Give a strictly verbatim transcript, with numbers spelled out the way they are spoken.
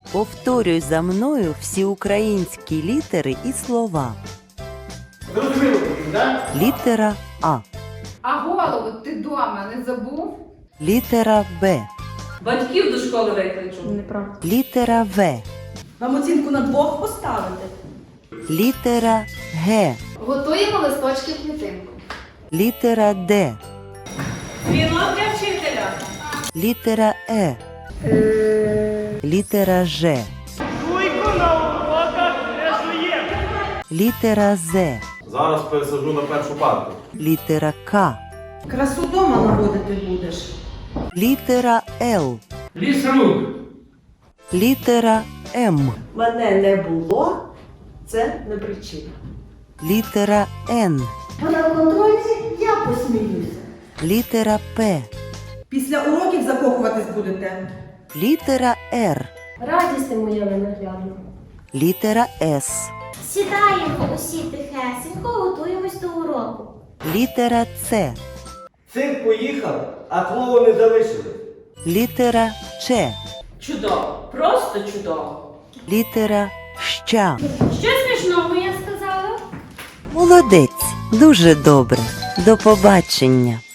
Повторюй за мною всі українські літери і слова. Зрозуміло, так? Літера А. А голову ти дома не забув? Літера Б. Батьків до школи викличу. Неправда. Літера В. Вам оцінку на двох поставити? Літера Г. Готуємо листочки в клітинку. Літера Д. Дзвінок для вчителя. Літера Е. Літера Ж. Літера З. Зараз пересаджу на першу парту. Літера К. Красу дома наводити будеш. Літера Л. Ліс рук. Літера М. Мене не було, це не причина. Літера Н. А на контрольці я посміюся. Літера П. Після уроків закохуватись будете. Літера Р. Радість моя ненаглядна. Літера С. Сідаємо усі тихесенько, готуємось до уроку. Літера Ц. Цирк поїхав, а клоуни не залишили. Літера Ч. Чудово, просто чудово. Літера Щ. Що смішного я сказала? Молодець. Дуже добре. До побачення.